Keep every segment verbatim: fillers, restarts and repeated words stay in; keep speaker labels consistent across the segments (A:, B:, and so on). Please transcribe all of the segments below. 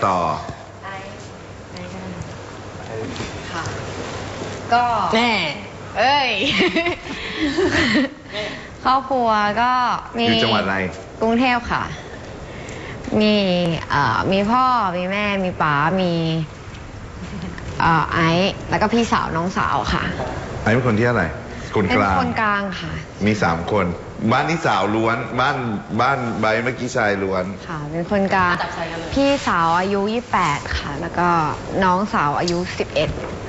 A: ต่อ
B: ไอ้ไอ้กันค่ะก็
C: แม่เอ้ย
B: ครอบครัวก็มี
A: อยู่จังหวัดอะไร
B: กรุงเทพค่ะมีเอ่อมีพ่อมีแม่มีป๋ามีเอ่อไอซ์แล้วก็พี่สาวน้องสาวค่ะ
A: ไอซ์เป็นคนที่อะไรคนกลาง
B: เป็นคนกลางค่ะ
A: มีสามคนบ้านนี้สาวล้วนบ้านบ้านใบเมื่อกี้ชายล้วน
B: ค่ะเป็นคนกลางพี่สาวอายุยี่สิบแปดค่ะแล้วก็น้องสาวอายุสิบเอ็ด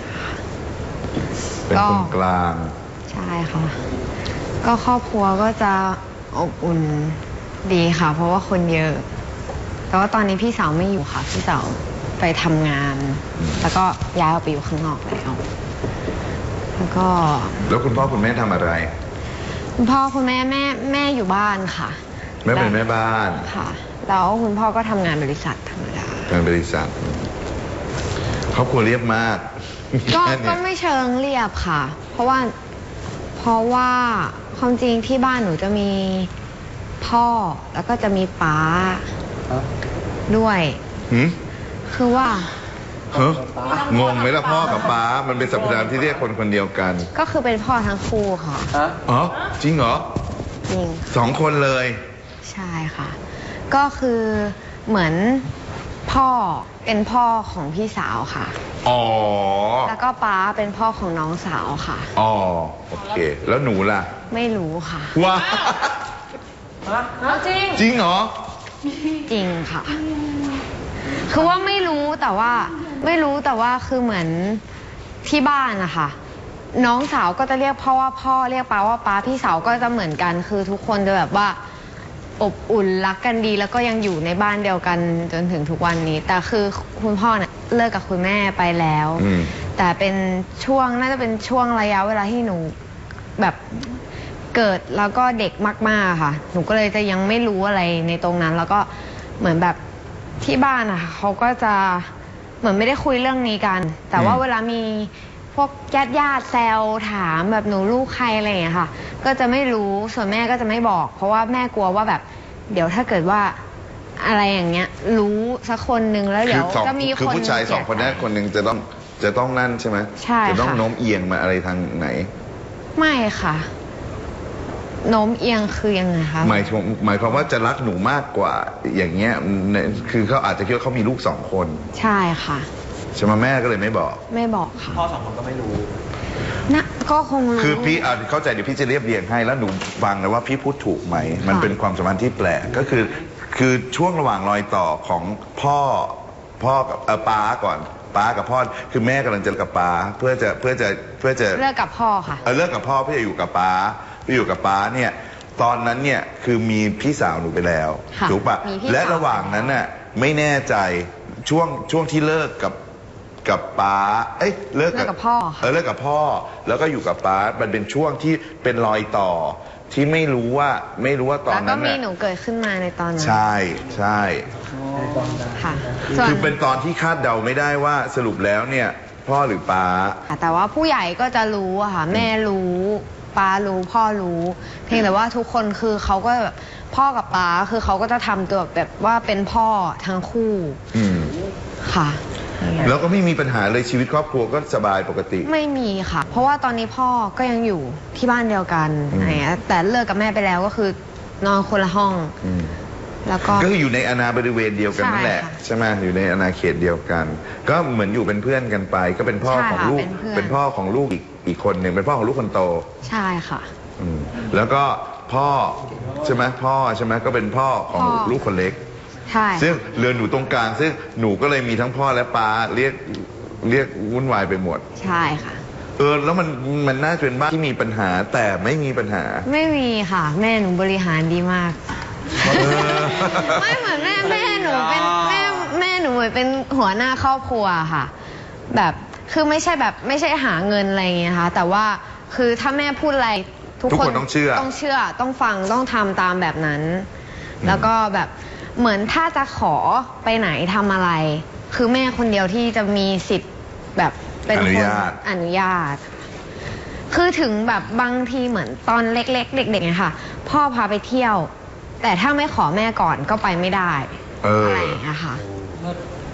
A: เป็นคนกลาง
B: ใช่ค่ะก็ครอบครัวก็จะอบอุ่นดีค่ะเพราะว่าคนเยอะแต่ว่าตอนนี้พี่สาวไม่อยู่ค่ะพี่สาวไปทำงานแล้วก็ย้ายออกไปอยู่ข้างนอกแล้วแล้วก็
A: แล้วคุณพ่อคุณแม่ทำอะไร
B: คุณพ่อคุณแม่แม่แม่อยู่บ้านค่ะ
A: แม่เป็นแม่บ้าน
B: ค่ะแล้วคุณพ่อก็ทำงานบริษัทธรรมดาง
A: านบริษัทครอบครัวเรียบมาก
B: ก็ก็ไม่เชิงเรียบค่ะเพราะว่าเพราะว่าความจริงที่บ้านหนูจะมีพ่อแล้วก็จะมีป๊าด้วยคือว่า
A: เฮ้ยงงไหมล่ะพ่อกับป๊ามันเป็นสรรพนามที่เรียกคนคนเดียวกัน
B: ก็คือเป็นพ่อทั้งคู่ค่ะ
A: อ๋อจริงเหรอ
B: จริง
A: สองคนเลย
B: ใช่ค่ะก็คือเหมือนพ่อเป็นพ่อของพี่สาวค่ะ
A: อ๋อ
B: แล้วก็ป๊าเป็นพ่อของน้องสาวค่ะ
A: อ๋อโอเคแล้วหนูล่ะ
B: ไม่รู้ค่ะ
A: ว้า
C: จริง
A: จริงเหรอ
B: จริงค่ะคือว่าไม่รู้แต่ว่าไม่รู้แต่ว่าคือเหมือนที่บ้านนะคะน้องสาวก็จะเรียกพ่อว่าพ่อเรียกป๊าว่าป๊าพี่สาวก็จะเหมือนกันคือทุกคนจะแบบว่าอบอุ่นรักกันดีแล้วก็ยังอยู่ในบ้านเดียวกันจนถึงทุกวันนี้แต่คือคุณพ่อเนี่ยเลิกกับคุณแม่ไปแล้วแต่เป็นช่วงน่าจะเป็นช่วงระยะเวลาที่หนูแบบเกิดแล้วก็เด็กมากๆค่ะหนูก็เลยจะยังไม่รู้อะไรในตรงนั้นแล้วก็เหมือนแบบที่บ้านอะเขาก็จะเหมือนไม่ได้คุยเรื่องนี้กันแต่ว่าเวลามีพวกญาติญาติแซวถามแบบหนูลูกใครอะไรอย่างเงี้ยค่ะก็จะไม่รู้ส่วนแม่ก็จะไม่บอกเพราะว่าแม่กลัวว่าแบบเดี๋ยวถ้าเกิดว่าอะไรอย่างเงี้ยรู้สักคนนึงแล้วเดี๋ยวจะมีคน
A: คือผู้ชายสองคนนั้นคนหนึ่งจะต้องจะต้องนั่นใช่ไหม
B: ใช่ค่ะ
A: จะต้องโน้มเอียงมาอะไรทางไหน
B: ไม่ค่ะโน้มเอียงคือยังไงคะ
A: หมายหมายความว่าจะรักหนูมากกว่าอย่างเงี้ยคือเขาอาจจะคิดว่าเขามีลูกสองคน
B: ใช่ค่ะ
A: ใช่ไหมแม่ก็เลยไม่บอก
B: ไม่บอกค่ะ
C: พ่อสองคนก็ไม่รู้
B: นะก็คงรู้
A: คือพี่อาจเข้าใจเดี๋ยวพี่จะเรียบเรียงให้แล้วหนูฟังเลยว่าพี่พูดถูกไหมมันเป็นความสัมพันธ์ที่แปลกก็คือคือช่วงระหว่างรอยต่อของพ่อพ่อกับป้าก่อนป้ากับพ่อคือแม่กำลังจะเลิกกับป้าเพื่อจะเพื่อจะเพื่อจะ
B: เลิกกับพ่อค่ะ
A: เออเลิกกับพ่อเพื่อจะอยู่กับป้าไปอยู่กับป้าเนี่ยตอนนั้นเนี่ยคือมีพี่สาวหนูไปแล้วถูกปะและระหว่างนั้นน่ะไม่แน่ใจช่วงช่วงที่เลิกกับกับป้าเอ้ยเลิก
B: กับพ่อ
A: เออเลิกกับพ่อแล้วก็อยู่กับป้ามันเป็นช่วงที่เป็นรอยต่อที่ไม่รู้ว่าไม่รู้ว่าตอนนั้น
B: แล้วก็มีหนูเกิดขึ้นมาในตอนนั้น
A: ใช่ใช่
B: ค่ะ
A: คือเป็นตอนที่คาดเดาไม่ได้ว่าสรุปแล้วเนี่ยพ่อหรือป้า
B: แต่ว่าผู้ใหญ่ก็จะรู้อะค่ะแม่รู้ป้ารู้พ่อรู้เพียงแต่ว่าทุกคนคือเขาก็แบบพ่อกับป้าคือเขาก็จะทำตัวแบบว่าเป็นพ่อทั้งคู่ค่ะ
A: แล้วก็ไม่มีปัญหาเลยชีวิตครอบครัวก็สบายปกติ
B: ไม่มีค่ะเพราะว่าตอนนี้พ่อก็ยังอยู่ที่บ้านเดียวกันอะไรเงี้ยแต่เลิกกับแม่ไปแล้วก็คือนอนคนละห้องแล้วก็
A: ก็คืออยู่ในอาณาบริเวณเดียวกันนั่นแหละใช่ไหมอยู่ในอาณาเขตเดียวกันก็เหมือนอยู่เป็นเพื่อนกันไปก็เป็นพ่อของลูกเป็นพ่อของลูกอีกอีกคนหนึ่งเป็นพ่อของลูกคนโต
B: ใช่ค่ะ
A: แล้วก็พ่อใช่ไหมพ่อใช่ไหมก็เป็นพ่อของลูกคนเล็ก
B: ใช่
A: ซึ่งเรือนหนูตรงกลางซึ่งหนูก็เลยมีทั้งพ่อและป้าเรียกเรียกวุ่นวายไปหมด
B: ใช่ค่ะ
A: เออแล้วมันมันน่าจะเป็นบ้านที่มีปัญหาแต่ไม่มีปัญหา
B: ไม่มีค่ะแม่หนูบริหารดีมากไม่เหมือนแม่แม่หนูเป็นแม่แม่หนูเหมือนเป็นหัวหน้าครอบครัวค่ะแบบคือไม่ใช่แบบไม่ใช่หาเงินอะไรอย่างเงี้ยค่ะแต่ว่าคือถ้าแม่พูดอะไร
A: ทุกคนต้องเชื่อ
B: ต้องเชื่อต้องฟังต้องทำตามแบบนั้นแล้วก็แบบเหมือนถ้าจะขอไปไหนทำอะไรคือแม่คนเดียวที่จะมีสิทธิ์แบบเป็นคนอนุญาตคือถึงแบบบางทีเหมือนตอนเล็กๆเด็กๆเนี่ยค่ะพ่อพาไปเที่ยวแต่ถ้าไม่ขอแม่ก่อนก็ไปไม่ได้อะไรอย่างเงี้ยค่ะ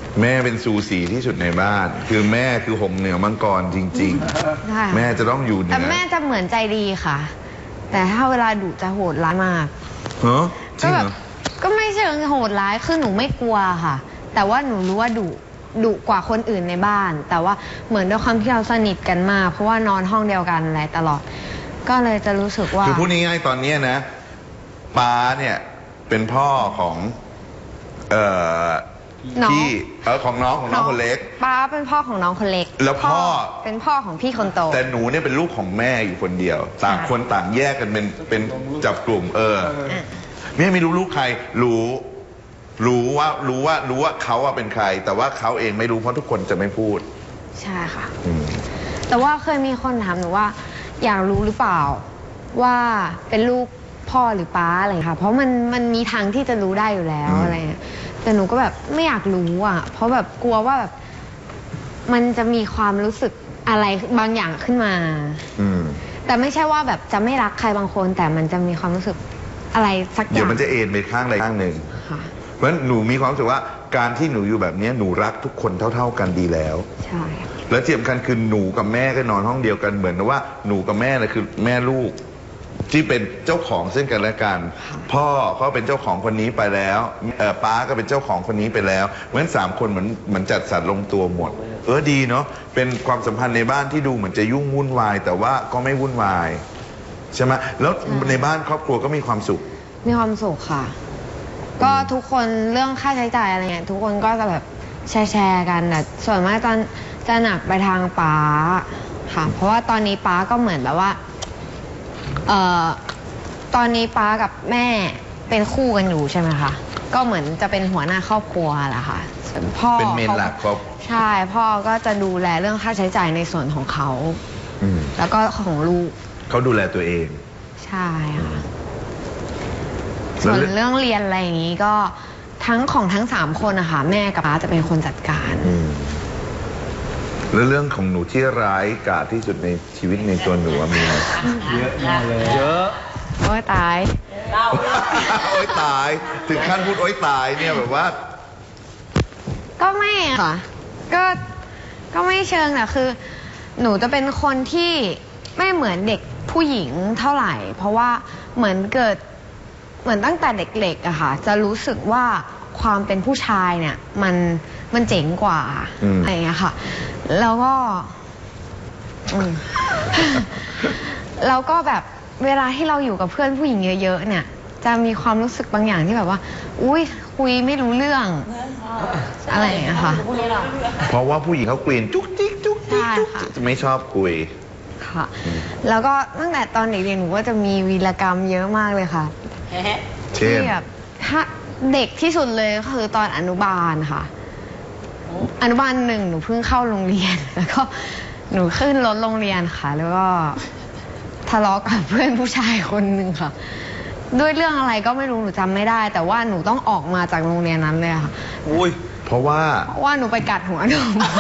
A: แม่เป็นซูสีที่สุดในบ้าน คือแม่คือหงเหนือมังกรจริง
B: ใช่
A: ๆ แม่จะต้องอยู่เหนื
B: แต่
A: อ
B: แม่จะเหมือนใจดีค่ะ แต่ถ้าเวลาดุจะโหดร้ายมาก
A: เหรอจริ
B: ก็
A: ง
B: แบ
A: เหร
B: บ
A: อ
B: ก็ไม่เชิงโหดร้ายคือหนูไม่กลัวค่ะ แต่ว่าหนูรู้ว่าดุดุกว่าคนอื่นในบ้าน แต่ว่าเหมือนด้วยความที่เราสนิทกันมาก เพราะว่านอนห้องเดียวกันอะไรตลอด ก็เลยจะรู้สึกว่า
A: คือพูดง่ายๆตอนเนี้ยนะป้าเนี่ยเป็นพ่อของเอ่อ
B: น้อง
A: พี่เออของน้องของน้องคนเล็ก
B: ป้าเป็นพ่อของน้องคนเล็ก
A: แล้วพ่อ
B: เป็นพ่อของพี่คนโต
A: แต่หนูเนี่ยเป็นลูกของแม่อยู่คนเดียว ต่างคนต่างแยกกันเป็นเป็นจับกลุ่ม เออ
B: อ่ะ
A: แม่ไม่รู้ลูกใคร รู้ รู้ว่ารู้ว่ารู้ว่าเขาอะเป็นใคร แต่ว่าเขาเองไม่รู้เพราะทุกคนจะไม่พูด
B: ใช่ค่ะ
A: อืม
B: แต่ว่าเคยมีคนถามหนูว่า อยากรู้หรือเปล่าว่าเป็นลูกพ่อหรือป้าอะไรอย่างเงี้ยค่ะ เพราะมันมันมีทางที่จะรู้ได้อยู่แล้ว
A: อืม
B: อะไรเงี้ยแต่หนูก็แบบไม่อยากรู้อ่ะ เพราะแบบกลัวว่าแบบ มันจะมีความรู้สึกอะไรบางอย่างขึ้นมา
A: อืม
B: แต่ไม่ใช่ว่าแบบจะไม่รักใครบางคน แต่มันจะมีความรู้สึกอะไรสักอ
A: เดี๋ย
B: ย่าว ง
A: มันจะเอ็นไปข้างใดข้างหนึ่ง
B: ค่ะ
A: เพราะฉะนั้นหนูมีความรู้สึกว่าการที่หนูอยู่แบบเนี้ยหนูรักทุกคนเท่า ๆกันดีแล้ว
B: ใช่ค่ะ
A: แล้วที่สำคัญคือหนูกับแม่ก็นอนห้องเดียวกันเหมือนว่าหนูกับแม่น่ะคือแม่ลูก ที่เป็นเจ้าของซึ่งกันและกัน พ่อเขาเป็นเจ้าของคนนี้ไปแล้วเออป้าก็เป็นเจ้าของคนนี้ไปแล้วเพราะฉะนั้นสามคนเหมือนเหมือนจัดสรรลงตัวหมด เออดีเนาะเป็นความสัมพันธ์ในบ้านที่ดูเหมือนจะยุ่งวุ่นวาย แต่ว่าก็ไม่วุ่นวายใช่ไหมแล้วในบ้านครอบครัวก็มีความสุข
B: มีความสุขค่ะ ก็ทุกคนเรื่องค่าใช้จ่ายอะไรเงี้ยทุกคนก็จะแบบแชร์แชร์กันแต่ส่วนมากจะจะหนักไปทางป้าค่ะ เพราะว่าตอนนี้ป้าก็เหมือนแบบว่าเอ่อตอนนี้ป้ากับแม่เป็นคู่กันอยู่ใช่ไหมคะก็เหมือนจะเป็นหัวหน้าครอบครัวแหละค่ะส่วนพ่อ
A: เป็นเมนหลักครอบ
B: ใช่พ่อก็จะดูแลเรื่องค่าใช้จ่ายในส่วนของเขา
A: อืม
B: แล้วก็ของลูก
A: เขาดูแลตัวเอง
B: ใช่ค่ะ
A: แล้
B: ส่
A: ว
B: วนเรื่องเรียนอะไรอย่างนี้ก็ทั้งของทั้งสามคนนะคะแม่กับป้าจะเป็นคนจัดการ
A: อืมแล้วเรื่องของหนูที่ร้ายกาจที่สุดในชีวิตในตัวหนูอะมีไหม
C: เยอะมากเลย เยอะ
B: โอ้ยตาย
A: โอ๊ยตาย ถึงขั้นพูดโอ๊ยตายเนี่ยแบบว่า
B: ก็ไม่อะค่ะ ก็ก็ไม่เชิงแต่คือ หนูจะเป็นคนที่ไม่เหมือนเด็กผู้หญิงเท่าไหร่ เพราะว่าเหมือนเกิดเหมือนตั้งแต่เด็กๆอะค่ะ จะรู้สึกว่าความเป็นผู้ชายเนี่ย มันมันเจ๋งกว่า
A: อืม
B: อะไรอย่างเงี้ยค่ะ แล้วก็อืม แล้วก็แบบเวลาที่เราอยู่กับเพื่อนผู้หญิงเยอะๆเนี่ย จะมีความรู้สึกบางอย่างที่แบบว่า อุ้ยคุยไม่รู้เรื่อง อะไรอย่างเงี้ยค่ะ
A: เพราะว่าผู้หญิงเขากรีนจุกจิกจุกจิกจุก
B: ใช่ค่ะ
A: จิกจะไม่ชอบคุย
B: ค่ะ แล้วก็ตั้งแต่ตอนเด็กๆหนูก็จะมีวีรกรรมเยอะมากเลยค่ะ
A: เช่น
B: ที่แบบถ้าเด็กที่สุดเลยก็คือตอนอนุบาลค่ะ อนุบาลหนึ่งหนูเพิ่งเข้าโรงเรียน แล้วก็หนูขึ้นรถโรงเรียนค่ะ แล้วก็ทะเลาะกับเพื่อนผู้ชายคนหนึ่งค่ะ ด้วยเรื่องอะไรก็ไม่รู้หนูจำไม่ได้ แต่ว่าหนูต้องออกมาจากโรงเรียนนั้นเลยค่ะ
A: อุ้ย เพราะว่า
B: เพราะว่าหนูไปกัดหัวหนู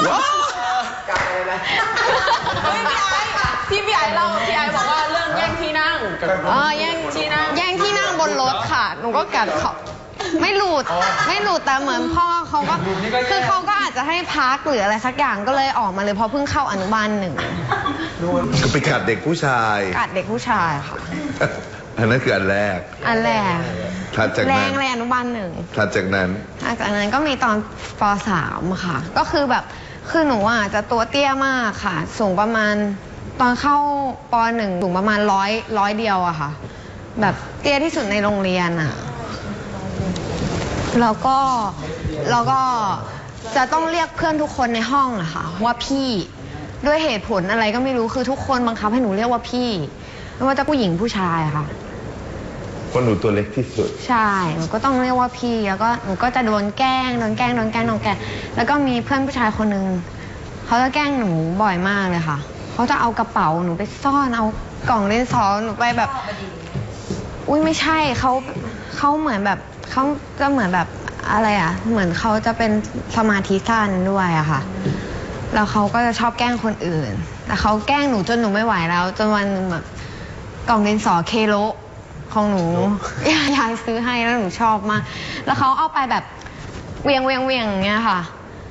C: ที่พี่ไอเล่าพี่ไอบอกว่าเรื่องแย่งที่นั่ง
B: อ๋อแย่ง
C: ที่นั่ง
B: แย่งที่นั่งบนรถค่ะ หนูก็กัดเขาไม่หลุดไม่หลุดแต่เหมือนพ่อเขาก็คือเขาก็อาจจะให้พักหรืออะไรสักอย่างก็เลยออกมาเลยเพราะเพิ่งเข้าอนุบาลหนึ่ง
A: ก็ไปกัดเด็กผู้ชาย
B: กัดเด็กผู้ชายค่ะ
A: อันนั้นคืออันแรก
B: อันแรก
A: ถัดจาก
B: แร
A: นั้
B: ง
A: น
B: เลยอนุบาลหนึ่ง
A: ถัดจากนั้น
B: หลังจากนั้นก็มีตอนปสามค่ะ ก็คือแบบคือหนูอ่ะจะตัวเตี้ยมากค่ะ สูงประมาณตอนเข้าปหนึ่งสูงประมาณร้อยร้อยเดียวอะค่ะ แบบเตี้ยที่สุดในโรงเรียนอะแล้วก็แล้วก็จะต้องเรียกเพื่อนทุกคนในห้องอะค่ะ ว่าพี่ด้วยเหตุผลอะไรก็ไม่รู้คือทุกคนบังคับให้หนูเรียกว่าพี่ไม่ว่าจะผู้หญิงผู้ชายอะค่ะ
A: เพราะหนูตัวเล็กที่สุด
B: ใช่ หนูก็ต้องเรียกว่าพี่ แล้วก็หนูก็จะโดนแกล้ง โดนแกล้ง โดนแกล้ง โดนแกล้ง แล้วก็มีเพื่อนผู้ชายคนหนึ่งเขาจะแกล้งหนูบ่อยมากเลยค่ะ เขาจะเอากระเป๋าหนูไปซ่อน เอากล่องดินสอหนูไปแบบ อุ้ยไม่ใช่ เขาเขาเหมือนแบบเขาจะเหมือนแบบอะไรอ่ะ เหมือนเขาจะเป็นสมาธิสั้นด้วยอะค่ะ แล้วเขาก็จะชอบแกล้งคนอื่น แต่เขาแกล้งหนูจนหนูไม่ไหวแล้ว จนวันหนึงแบบกล่องดินสอเคโลของหนู ยายยายซื้อให้แล้วหนูชอบมาก แล้วเขาเอาไปแบบเวียงเวียงเวียงอย่างเงี้ยค่ะ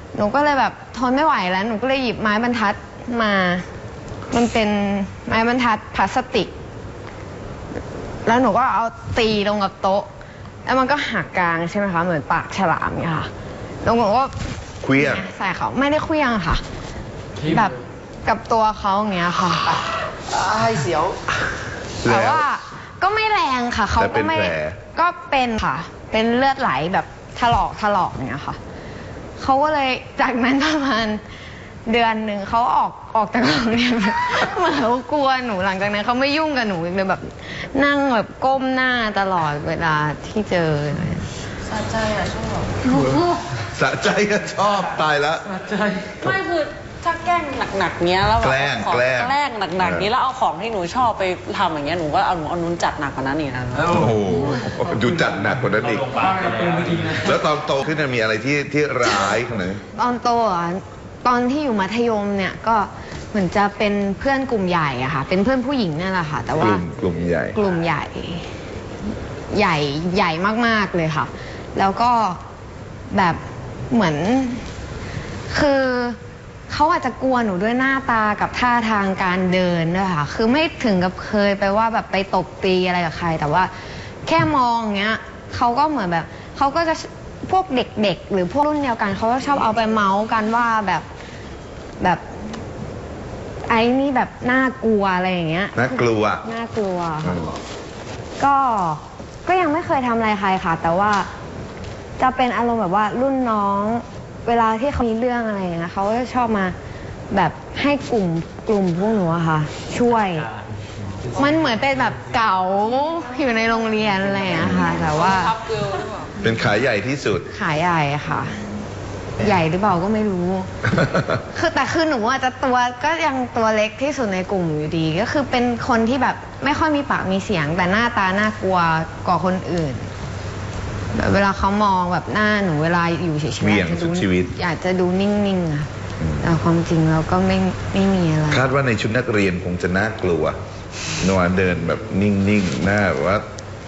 B: หนูก็เลยแบบทนไม่ไหวแล้วหนูก็เลยหยิบไม้บรรทัดมา มันเป็นไม้บรรทัดพลาสติก แล้วหนูก็เอาตีลงกับโต๊ะแล้วมันก็หักกลางใช่ไหมคะเหมือนปากฉลามเนี่ยค่ะแล้วหนูก็
A: เคลี้ยง
B: ใส่เขาไม่ได้เคลี้ยงค่ะ แบบกับตัวเขาอย่างเงี้ยค่ะ
C: ไอ้เสียว
B: แต่ว่าก็ไม่แรงค่ะเขาก็ไม่
A: แต่เป็นแผล
B: ก็เป็นค่ะ เป็นเลือดไหลแบบถลอกถลอกเนี่ยค่ะเขาก็เลยจากนั้นประมาณเดือนหนึ่งเขาออกออกจากโรงเรียนแบบเหมือนเขากลัวหนูหลังจากนั้นเขาไม่ยุ่งกับหนูอีกเลยแบบนั่งแบบก้มหน้าตลอดเวลาที่เจอ
C: สะใจอ่ะชอบ
A: สะใจก็ชอบตายแล้ว
C: สะใจไม่คือถ้าแกล้งหนักๆเนี้ยแล้วแบบ
A: แกล้ง
C: ของ
A: แกล้ง
C: แกล้งหนักๆนี้
A: เออ
C: แล้วเอาของที่หนูชอบไปทำอย่างเงี้ยหนูก็เอาหนูเอานุ้นจัดหนักกว่านั้นอีกนะ
A: โอ้โหดูจัดหนักกว่านั้นอีกแล้วตอนโตขึ้นเนี่ยมีอะไรที่ที่ร้ายขนาดไหน
B: ตอนโตอ่ะตอนที่อยู่มัธยมเนี่ยก็เหมือนจะเป็นเพื่อนกลุ่มใหญ่อะค่ะ เป็นเพื่อนผู้หญิงนั่นแหละค่ะ แต่
A: ก
B: ว่า
A: ลุ่มกลุ่มใหญ่
B: กลุ่มใหญ่ ใหญ่ใหญ่มากๆเลยค่ะ แล้วก็แบบเหมือน คือเขาอาจจะกลัวหนูด้วยหน้าตากับท่าทางการเดินด้วยค่ะ คือไม่ถึงกับเคยไปว่าแบบไปตบตีอะไรกับใคร แต่ว่าแค่มองเงี้ยเขาก็เหมือนแบบเขาก็จะพวกเด็กๆหรือพวกรุ่นเดียวกันเขาก็ชอบเอาไปเมาส์กันว่าแบบแบบไอ้นี่แบบน่ากลัวอะไรอย่างเงี้ย
A: น่ากลัว
B: น่ากลัว
A: อื
B: ค่ะ
A: ม
B: ก็ก็ยังไม่เคยทำอะไรใครค่ะ แต่ว่าจะเป็นอารมณ์แบบว่ารุ่นน้อง เวลาที่เขามีเรื่องอะไรอย่างเงี้ยเขาก็จะชอบมาแบบให้กลุ่มกลุ่มพวกหนูอะค่ะ ช่วย มันเหมือนเป็นแบบเก่าอยู่ในโรงเรียนอะไรอย่างเงี้ยค่ะ แต่ว่า
C: ทับเกลียวหรือเปล่า
A: เป็นขายใหญ่ที่สุด
B: ขายใหญ่ค่ะ ใหญ่หรือเปล่าก็ไม่รู้ คือแต่คือหนูอาจจะตัวก็ยังตัวเล็กที่สุดในกลุ่มอยู่ดี ก็คือเป็นคนที่แบบไม่ค่อยมีปากมีเสียง แต่หน้าตาน่ากลัวกว่าคนอื่นแบบเวลาเขามองแบบหน้าหนูเวลาอยู่เฉยๆ
A: เหวี่ยง
B: อยากจะ
A: สุ
B: ดู
A: ดชีวิต
B: อยากจะดูนิ่งๆอะ
A: อืม
B: แต่ความจริงเราก็ไม่ไม่มีอะไร
A: คาดว่าในชุดนักเรียนคงจะน่ากลัวนัวเดินแบบนิ่งๆหน้าแบบว่า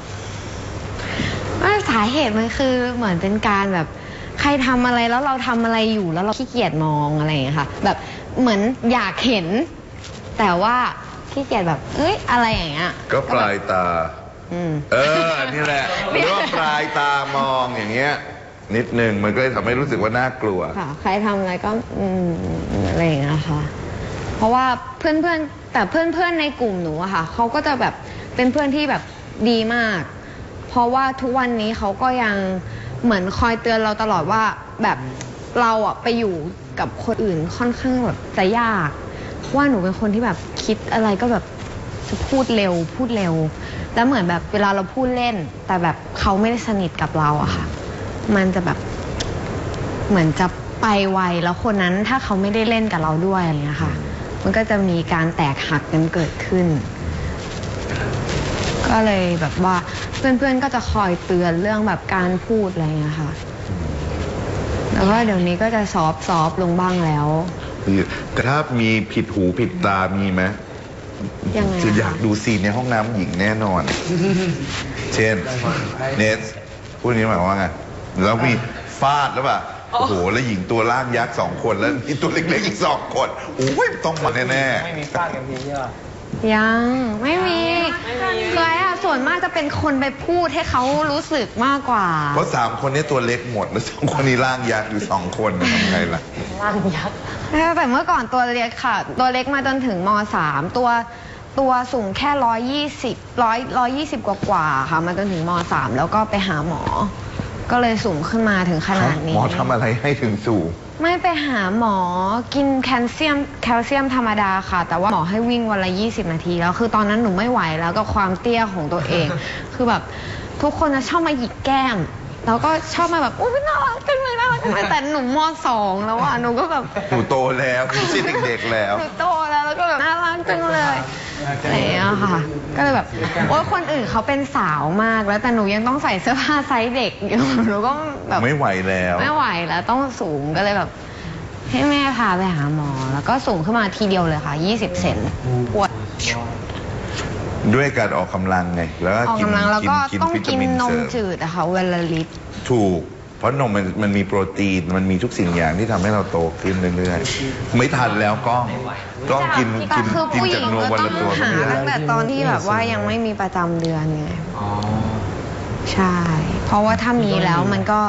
B: ว่าสาเหตุมันคือเหมือนเป็นการแบบใครทำอะไรแล้วเราทำอะไรอยู่แล้วเราขี้เกียจมองอะไรอย่างเงี้ยค่ะ แบบเหมือนอยากเห็น แต่ว่าขี้เกียจแบบ เอ้ยอะไรอย่างเงี้ย
A: ก็ปลายตา
B: อืม
A: เออ นี่แหละเรียกว่าปลายตามองอย่างเงี้ย นิดนึงมันก็เลยทำให้รู้สึกว่าน่ากลัว
B: ค่ะ ใครทำอะไรก็อืมอะไรอย่างเงี้ยค่ะ เพราะว่าเพื่อนเพื่อนๆแต่เพื่อนเพื่อนๆในกลุ่มหนูอะค่ะเขาก็จะแบบเป็นเพื่อนที่แบบดีมาก เพราะว่าทุกวันนี้เขาก็ยังเหมือนคอยเตือนเราตลอดว่าแบบเราอะไปอยู่กับคนอื่นค่อนข้างแบบจะยากเพราะว่าหนูเป็นคนที่แบบคิดอะไรก็แบบจะพูดเร็วพูดเร็ว แล้วเหมือนแบบเวลาเราพูดเล่น แต่แบบเขาไม่ได้สนิทกับเราอะค่ะ มันจะแบบเหมือนจะไปไวแล้วคนนั้นถ้าเขาไม่ได้เล่นกับเราด้วยอะไรอย่างเงี้ยค่ะ มันก็จะมีการแตกหักกันเกิดขึ้น ก็เลยแบบว่าเพื่อนๆก็จะคอยเตือนเรื่องแบบการพูดอะไรอย่างเงี้ยค่ะ แล้วก็เดี๋ยวนี้ก็จะซอฟซอฟลงบ้างแล้ว
A: แต่ถ้ามีผิดหูผิดตามีไหม
B: ยังไงอะ
A: จะอยากดูซีนในห้องน้ำหญิงแน่นอน เช่น เนสพูดนี้หมายความว่าไง แล้วมีฟาดแล้วป่ะ โอ้โห แล้วหญิงตัวล่างยักษ์สองคน แล้วมีตัวเล็กๆอีกสองคนโอ้ยต้องมาแน่ๆ
C: ไม่มีฟาดกันทีใช่ป่ะ
B: ยังไม่มี
C: ไม่มี
B: เคยอะส่วนมากจะเป็นคนไปพูดให้เขารู้สึกมากกว่า
A: เพราะสามคนนี้ตัวเล็กหมด แล้วสองคนนี้ร่างยักษ์อยู่สองคนทำไงล่ะ
C: ร่างยักษ์
B: แต่เมื่อก่อนตัวเล็กค่ะ ตัวเล็กมาจนถึงมสามตัวตัวสูงแค่ร้อยยี่สิบร้อยร้อยยี่สิบกว่ากว่าๆค่ะ มาจนถึงมสามแล้วก็ไปหาหมอ ก็เลยสูงขึ้นมาถึงขนาดนี้
A: หมอทำอะไรให้ถึงสูง
B: ไม่ไปหาหมอกินแคลเซียมแคลเซียมธรรมดาค่ะ แต่ว่าหมอให้วิ่งวันละยี่สิบนาทีแล้วคือตอนนั้นหนูไม่ไหวแล้วกับความเตี้ยของตัวเอง คือแบบทุกคนจะชอบมาหยิกแก้ม แล้วก็ชอบมาแบบอุ้ยน่ารักจังเลยน่ารักจังเลยแต่หนูมสองแล้วอ่ะหนูก็แบบ
A: หนูโตแล้วไม่ใช่เด็กๆแล้ว
B: หนูโตแล้วแล้วก็แบบน่ารักจังเลยอะไรอย่างเงี้ยค่ะ ก็เลยแบบโอ๊ยคนอื่นเขาเป็นสาวมากแล้วแต่หนูยังต้องใส่เสื้อผ้าไซส์เด็กอยู่หนูก็แบบ
A: ไม่ไหวแล้ว
B: ไม่ไหวแล้วต้องสูงก็เลยแบบ ให้แม่พาไปหาหมอ แล้วก็สูงขึ้นมาทีเดียวเลยค่ะยี่สิบเซนปวด
A: ด้วยการออกกำลังไง แล้วก็
B: ออก
A: กิน
B: กำลังแล้วก็
A: กิน
B: ต้อง
A: วิตา
B: กิน
A: มิน
B: น
A: เส
B: ม
A: ริม
B: จืดอะค่ะวันละลิตร
A: ถูกเพราะนมมันมันมีโปรตีนมันมีทุกสิ่งอย่างที่ทำให้เราโตขึ้นเรื่อยๆไม่ทันแล้วกล้องกล้องกิน
B: แต่
A: กิน
B: คือ
A: กิน
B: ผู้ห
A: จา
B: ญิ
A: ก
B: ง
A: นม
B: ก็
A: วัน
B: ต้อ
A: ละ
B: ง
A: ตัว
B: หา
A: ไม่ได้
B: ตั้งแต่ตอนที่แบบว่ายังไม่มีประจำเดือนไง
D: อ๋อ
B: ใช่ เพราะว่าถ้ามีแล้วมันก็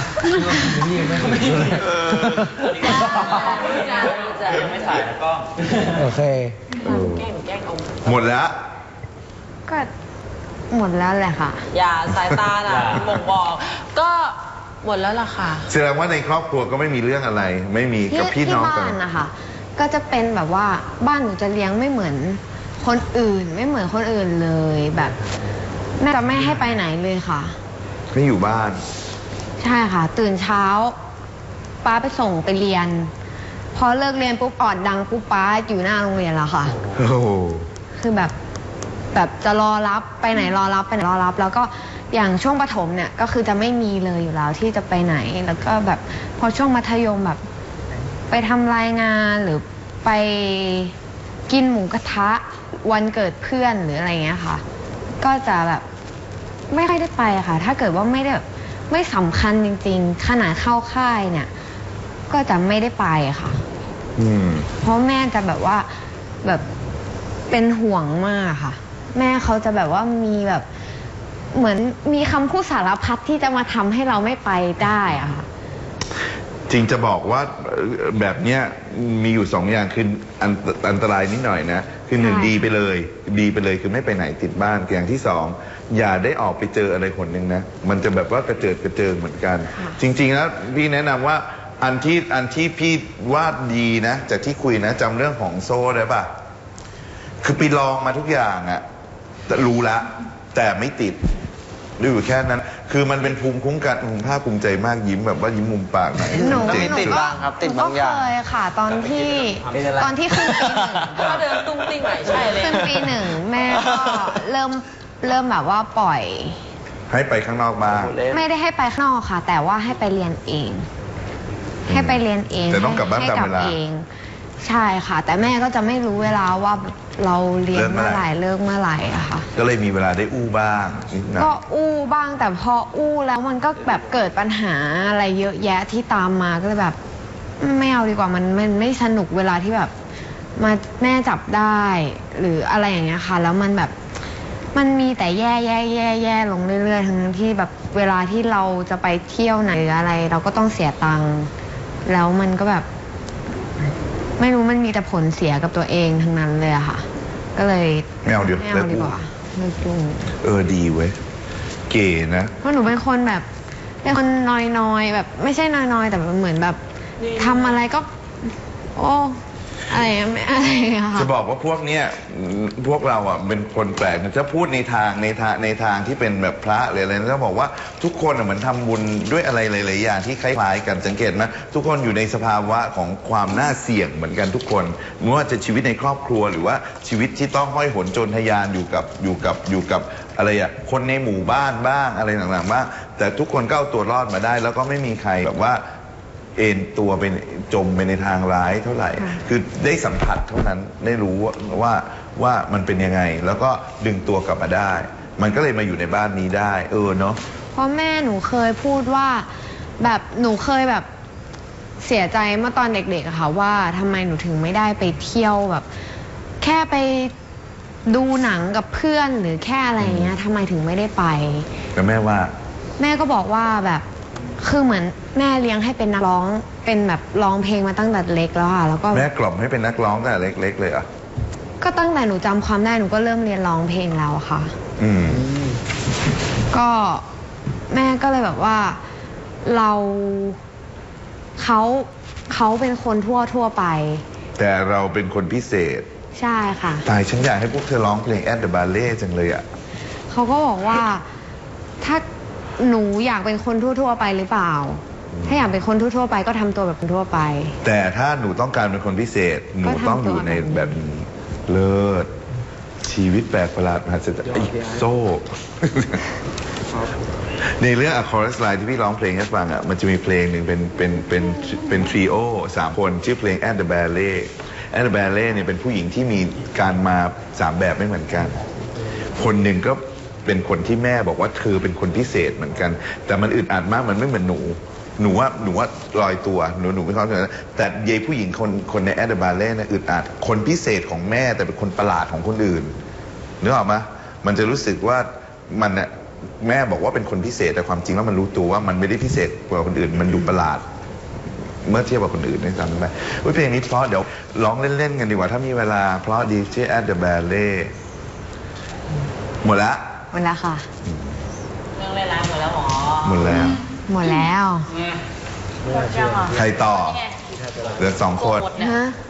C: ยังไม่ถ่ายนะกล้อง
D: โอเค
A: เออ
C: แกล้งแกล้งเอา
A: หมดแล้ว
B: ก็หมดแล้วแหละค่ะ
C: อย่าสายตาน่ะบ่งบอก ก็หมดแล้วล่ะค่ะ
A: แสดงว่าในครอบครัวก็ไม่มีเรื่องอะไร ไม่มี
B: ที่
A: กับพี่
B: ที่
A: น้อง
B: บ้า
A: กัน
B: นนะคะก็จะเป็นแบบว่าบ้านหนูจะเลี้ยงไม่เหมือนคนอื่น ไม่เหมือนคนอื่นเลยแบบแม่จะไม่ให้ไปไหนเลยค่ะ
A: ไม่อยู่บ้าน
B: ใช่ค่ะ ตื่นเช้า ป้าไปส่งไปเรียน พอเลิกเรียนปุ๊บออดดังปุ๊บป้าอยู่หน้าโรงเรียนแล้วค่ะ
A: โอ้โห
B: คือแบบแบบจะรอรับไปไหนรอรับไปไหนรอรับ แล้วก็อย่างช่วงประถมเนี่ยก็คือจะไม่มีเลยอยู่แล้วที่จะไปไหน แล้วก็แบบพอช่วงมัธยมแบบ ไปทำรายงานหรือไปกินหมูกระทะวันเกิดเพื่อนหรืออะไรเงี้ยค่ะ ก็จะแบบไม่ค่อยได้ไปค่ะ ถ้าเกิดว่าไม่ได้แบบไม่สำคัญจริงๆขนาดเข้าค่ายเนี่ย ก็จะไม่ได้ไปค่ะ
A: อืม
B: เพราะแม่จะแบบว่าแบบเป็นห่วงมากค่ะ แม่เขาจะแบบว่ามีแบบเหมือนมีคำพูดสารพัดที่จะมาทำให้เราไม่ไปได้อะค่ะ
A: จริงจะบอกว่าเอ่อแบบเนี้ยมีอยู่สองอย่างคืออันอันตรายนิดหน่อยนะคือหนึ่ง
B: ใช่
A: ดีไปเลย ดีไปเลยคือไม่ไปไหนติดบ้านอย่างที่สองอย่าได้ออกไปเจออะไรคนหนึ่งนะมันจะแบบว่ากระเจิดกระเจิงเหมือนกัน จริง ๆ แล้วพี่แนะนำว่าอันที่อันที่พี่ว่าดีนะจากที่คุยนะจำเรื่องของโซ่ได้ปะคือไปลองมาทุกอย่างอะแต่รู้ละแต่ไม่ติดดูอยู่แค่นั้น คือมันเป็นภูมิคุ้มกันผมภาคภูมิใจมากยิ้มแบบว่ายิ้มมุมปากหน่อย
B: หนู
A: เจ๋ง
B: หนู
A: สุด
B: ก็
C: บ้างครับติด
B: หนูก็
C: บางอย่าง
B: เคยค่ะ ตอนที่ตอนที่ขึ้นปีหนึ่ง
C: ก็เดินตุ้งติ้งไหนใช่เลย
B: ขึ้นปีหนึ่งแม่ก็เริ่มเริ่มแบบว่าปล่อย
A: ให้ไปข้างนอกบ้าง
B: ไม่ได้ให้ไปข้างนอกค่ะ แต่ว่าให้ไปเรียนเอง ให้ไปเรียนเอง
A: แต่ต้องกลับบ้าน
B: ให้
A: ตามเวลา
B: เอง ใช่ค่ะ แต่แม่ก็จะไม่รู้เวลาว่าเราเรียน
A: เลิกเมื่
B: เมื่
A: อ
B: อ
A: ไห
B: ไห
A: ร่
B: ร่เลิกเมื่อไหร่อะค่ะ
A: ก็เลยมีเวลาได้อู้บ้างนิดหน่อย
B: ก็อู้บ้างแต่พออู้แล้วมันก็แบบเกิดปัญหาอะไรเยอะแยะที่ตามมาก็เลยแบบ ไม่เอาดีกว่ามันมันไม่สนุกเวลาที่แบบ มาแม่จับได้หรืออะไรอย่างเงี้ยค่ะ แล้วมันแบบมันมีแต่แย่แย่แย่แย่ลงเรื่อยๆทั้งที่แบบเวลาที่เราจะไปเที่ยวไหนหรืออะไร เราก็ต้องเสียตังค์แล้วมันก็แบบ ไม่รู้มันมีแต่ผลเสียกับตัวเองทั้งนั้นเลยอะค่ะ ก็เลย
A: ไม่เอาเดี๋ยว
B: ไม่
A: เลิ
B: เอา
A: ก
B: ดี
A: อู้
B: กว่าเลิกยุ่ง
A: เออดีเว้ยเก๋นะ
B: เพราะหนูเป็นคนแบบเป็นคนน้อยๆแบบ ไม่ใช่น้อยๆแต่แบบเหมือนแบบทำอะไรก็ โอ้อะไรอะไม่อะไรอะค่ะ
A: จะบอกว่าพวกเนี้ยพวกเราอ่ะเป็นคนแปลกจะพูดในทางในทางในทางที่เป็นแบบพระหรืออะไรนะจะบอกว่าทุกคนอ่ะเหมือนทำบุญด้วยอะไรหลายๆอย่างที่คล้ายๆกันสังเกตไหมทุกคนอยู่ในสภาวะของความน่าเสี่ยงเหมือนกันทุกคนไม่ว่าจะชีวิตในครอบครัวหรือว่าชีวิตที่ต้องห้อยโหนโจรทะยานอยู่กับอยู่กับอยู่กับอะไรอ่ะคนในหมู่บ้านบ้างอะไรต่างๆบ้างแต่ทุกคนก็เอาตัวรอดมาได้ แล้วก็ไม่มีใครแบบว่า เอ็นตัวเป็นจมไปในทางร้ายเท่าไหร่
B: ค่ะ
A: คือได้สัมผัสเท่านั้นได้รู้ว่าว่าว่ามันเป็นยังไง แล้วก็ดึงตัวกลับมาได้ มันก็เลยมาอยู่ในบ้านนี้ได้ เออเนาะ
B: เพราะแม่หนูเคยพูดว่าแบบหนูเคยแบบเสียใจเมื่อตอนเด็กๆอะค่ะว่าทำไมหนูถึงไม่ได้ไปเที่ยวแบบ แค่ไปดูหนังกับเพื่อนหรือแค่อะไรอย่างเงี้ยทำไมถึงไม่ได้ไป
A: แต่แม่ว่า
B: แม่ก็บอกว่าแบบคือเหมือนแม่เลี้ยงให้เป็นนักร้องเป็นแบบร้องเพลงมาตั้งแต่เล็กแล้วค่ะแล้วก็
A: แม่กล่อมให้เป็นนักร้องตั้งแต่เล็กๆเลยเหรอ่ะ
B: ก็ตั้งแต่หนูจำความได้หนูก็เริ่มเรียนร้องเพลงแล้วอะค่ะ
A: อืม
B: ก็แม่ก็เลยแบบว่าเราเขาเขาเป็นคนทั่วทั่วไป
A: แต่เราเป็นคนพิเศษ
B: ใช่ค่ะ
A: ตายฉันอยากให้พวกเธอร้องเพลง At the Ballet จังเลยอ่ะ
B: เขาก็บอกว่าถ้าหนูอยากเป็นคนทั่วๆไปหรือเปล่า ถ้าอยากเป็นคนทั่วๆไปก็ทำตัวแบบคนทั่วไป
A: แต่ถ้าหนูต้องการเป็นคนพิเศษ หนู
B: ก็ทำ
A: ต้องอยู่ใน
B: ตัวแบบนี้
A: แบบนี้เลิศชีวิตแปลกประหลาดมหัศจรรย์ไอ้โซ่ ในเรื่อง A Chorus Line ที่พี่ร้องเพลงให้ฟังอ่ะมันจะมีเพลงหนึ่งเป็นเป็นเป็นเป็นทริโอสามคนชื่อเพลง At the Ballet At the Ballet เนี่ยเป็นผู้หญิงที่มีการมาสามแบบไม่เหมือนกัน คนหนึ่งก็เป็นคนที่แม่บอกว่าเธอเป็นคนพิเศษเหมือนกัน แต่มันอึดอัดมากมันไม่เหมือนหนูหนูว่าหนูว่าลอยตัวหนูหนูไม่เข้าใจนะแต่เยายผู้หญิงคนคนในแอดเดอร์บาเล่เนี่ยอึดอัดคนพิเศษของแม่แต่เป็นคนประหลาดของคนอื่นนึกออกไหมมันจะรู้สึกว่ามันเนี่ยแม่บอกว่าเป็นคนพิเศษแต่ความจริงแล้วมันรู้ตัวว่ามันไม่ได้พิเศษกว่าคนอื่นมันดูประหลาดเมื่อเทียบกับคนอื่นด้วยซ้ำไปเพลงนี้เพราะเดี๋ยวร้องเล่นๆกันดีกว่าถ้ามีเวลาเพราะดีชื่อ At the Ballet หมดละ
B: หมดแล้วค่ะ
C: เรื่องเล่นร้านหมดแล้วหรอ
A: หมดแล้ว
B: หมดแล้ว
C: หมดยังอ่ะ
A: ใครต่อเหลือสองคน
C: หมดเนี่ย
B: ฮะ